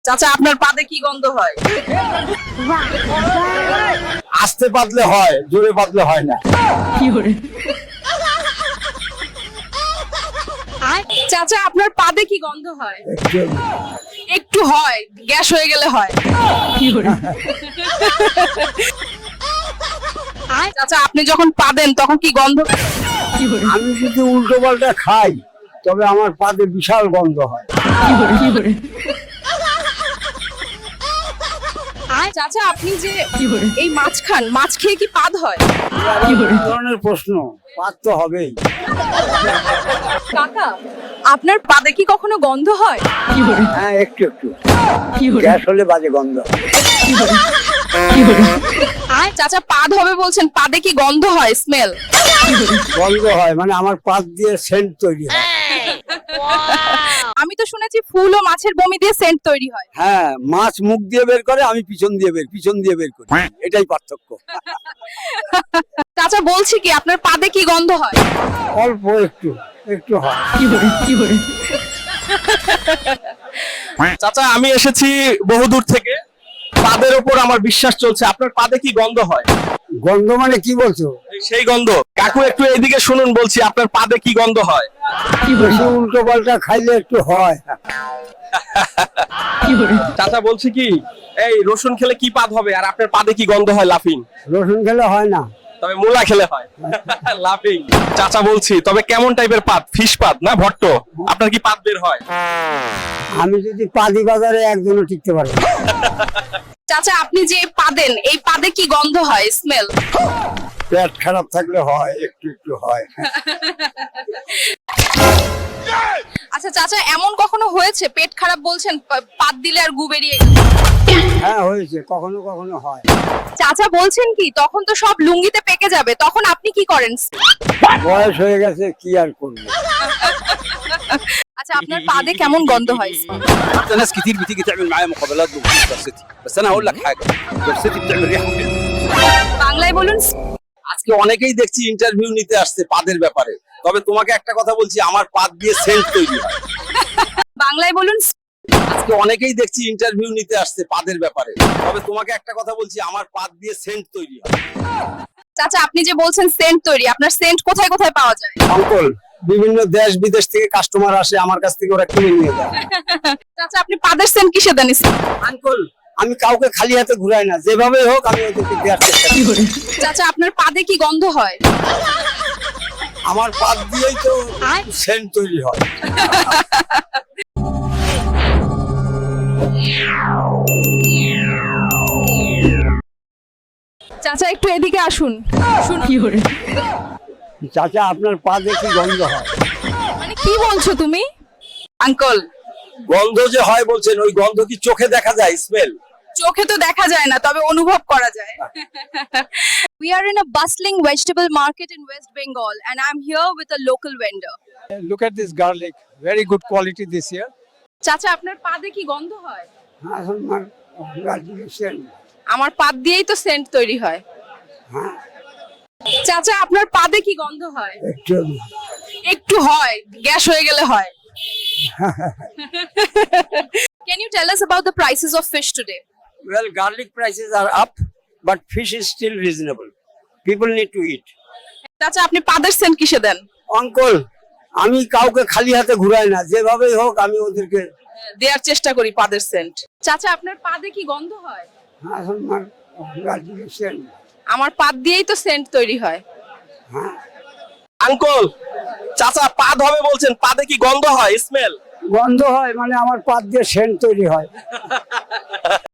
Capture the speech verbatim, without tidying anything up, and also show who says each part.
Speaker 1: চাচা আপনার পাদে কি গন্ধ হয়?
Speaker 2: আস্তে পাতলে হয়, জোরে পাতলে হয় না।
Speaker 1: চাচা আপনার পাদে কি গন্ধ হয়?
Speaker 2: একটু
Speaker 1: একটু হয়, গ্যাস হয়ে গেলে হয়। চাচা আপনি যখন পা দেন তখন কি গন্ধ?
Speaker 2: আমি যদি উল্টো পাল্টা খাই তবে আমার পাতে বিশাল গন্ধ হয়।
Speaker 1: চাচা আপনি যে এই মাছ খান, মাছ খেয়ে কি পাদ হয়?
Speaker 2: কি ধরনের প্রশ্ন? পাত তো হবেই।
Speaker 1: কাকা আপনার পাদে কি কখনো গন্ধ হয়?
Speaker 2: হ্যাঁ একটু একটু গ্যাস হলে বাজে গন্ধ হয়।
Speaker 1: চাচা পাদ হবে বলছেন, পাদে কি গন্ধ হয়, স্মেল?
Speaker 2: গন্ধ হয় মানে আমার পাত দিয়ে সেন্ট তৈরি হয়।
Speaker 1: আমি তো শুনেছি ফুল ও মাছের বমি দিয়ে সেন্ট তৈরি হয়।
Speaker 2: হ্যাঁ, মাছ মুখ দিয়ে বের করে, আমি পিছন দিয়ে বের পিছন দিয়ে বের করি, এটাই পার্থক্য।
Speaker 1: চাচা বলছি কি আপনার পাদে কি গন্ধ হয়?
Speaker 2: অল্প একটু একটু হয়।
Speaker 3: চাচা আমি এসেছি বহুদূর থেকে, পাদের ওপর আমার বিশ্বাস চলছে, আপনার পাদে কি গন্ধ হয়?
Speaker 2: গন্ধ মানে কি বলছো?
Speaker 3: এই সেই গন্ধ। কাকু একটু এইদিকে শুনুন, বলছি আপনার পাদে কি গন্ধ হয়?
Speaker 2: বেশি উল্টো পাল্টা খাইলে একটু হয়।
Speaker 3: চাচা বলছি কি, এই রসুন খেলে কি পাদ হবে আর আপনার পাদে কি গন্ধ হয়? লাফিং।
Speaker 2: রসুন খেলে হয় না,
Speaker 3: তবে মূলা খেলে হয়। লাফিং। চাচা বলছি, তবে কেমন টাইপের পাদ? ফিশ পাদ না ভট্ট? আপনার কি পাদ বের হয়?
Speaker 2: আমি যদি পাদি বাজারে একজনও টিকতে পারি না।
Speaker 1: চাচা আপনি যে পাদেন, এই পাদে কি গন্ধ হয়, স্মেল?
Speaker 2: পেট খারাপ থাকলে হয়, একটু একটু হয়।
Speaker 1: আচ্ছা চাচা এমন কখনো হয়েছে পেট খারাপ বলছেন, পা- পাদ দিলে আর গু বেরিয়ে গেল?
Speaker 2: হ্যাঁ হয়েছে, কখনো কখনো হয়।
Speaker 1: চাচা বলছেন কি তখন তো সব লুঙ্গিতে পেকে যাবে, তখন আপনি কি করেন?
Speaker 2: বয়স হয়ে গেছে, কি আর করবো।
Speaker 1: আচ্ছা আপনার পাদে কেমন গন্ধ হয়?
Speaker 4: حتى ناس كتير بتيجي تعمل معايا مقابلات بخصوص جرستي، بس انا هقول لك حاجه، جرستي بتعمل ريحه حلوه.
Speaker 1: বাংলায় বলুন।
Speaker 3: আজকে অনেকেই দেখছি ইন্টারভিউ নিতে আসছে পাদের ব্যাপারে, তবে তোমাকে একটা কথা বলছি, আমার পাদ দিয়ে সেন্ট তৈরি হয়।
Speaker 1: বাংলায় বলুন।
Speaker 3: আজকে অনেকেই দেখছি ইন্টারভিউ নিতে আসছে পাদের ব্যাপারে, তবে তোমাকে একটা কথা বলছি, আমার পাদ দিয়ে সেন্ট তৈরি হয়।
Speaker 1: চাচা আপনি যে বলছেন সেন্ট তৈরি, আপনার সেন্ট কোথায় কোথায় পাওয়া যায়?
Speaker 2: অঙ্কল, বিভিন্ন দেশ বিদেশ থেকে কাস্টমার আসে আমার কাছ থেকে, ওরা কিনে নিয়ে যায়।
Speaker 1: চাচা আপনি পাদের সেন্ট কিসে দেন?
Speaker 2: আঙ্কল, আমি কাউকে খালি হাতে ঘুরাই না, যেভাবে হোক আমি ওদেরকে দেওয়ার চেষ্টা করি।
Speaker 1: চাচা আপনার পাদে কি গন্ধ হয়?
Speaker 2: আমার পাত দিয়েই তো সেন্ট তৈরি হয়।
Speaker 1: চাচা একটু এদিকে আসুন। শুন কি করে?
Speaker 2: চাচা আপনার পা দেখি গন্ধ হয়।
Speaker 1: মানে কি বলছো তুমি? আঙ্কল
Speaker 3: গন্ধ যে হয় বলছেন, ওই গন্ধ কি চোখে দেখা যায়? স্মেল?
Speaker 1: চোখে তো দেখা যায় না, তবে অনুভব করা যায়। We are in a bustling vegetable market in West Bengal and I'm here with a local vendor.
Speaker 2: Look at this garlic, very good quality this year.
Speaker 1: চাচা আপনার পাদে কি গন্ধ হয়?
Speaker 2: আমার সেন্ট।
Speaker 1: আমার পাদ দিয়েই তো সেন্ট তৈরি হয়। চাচা আপনার পাদে কি গন্ধ হয়?
Speaker 2: একটু
Speaker 1: একটু হয়, গ্যাস হয়ে গেলে হয়। Can you tell us about the prices of fish today?
Speaker 2: Well, garlic prices are up, but fish is still reasonable. People need to eat.
Speaker 1: চাচা আপনি পাদের সেন্ট কিসে দেন?
Speaker 2: অঙ্কল, আমি কাউকে খালি হাতে ঘুরাই না, যেভাবেই হোক আমি ওদেরকে
Speaker 1: দেওয়ার চেষ্টা করি পাদের সেন্ট। চাচা আপনার পাদে কি গন্ধ হয়?
Speaker 2: আমার সেন্ট।
Speaker 1: আমার পাদ দিয়েই তো সেন্ট তৈরি হয়।
Speaker 3: আঙ্কল, চাচা পাদ হবে বলছেন, পাদে কি গন্ধ হয়? স্মেল?
Speaker 2: গন্ধ হয় মানে আমার পাত দিয়ে সেন্ট তৈরি হয়।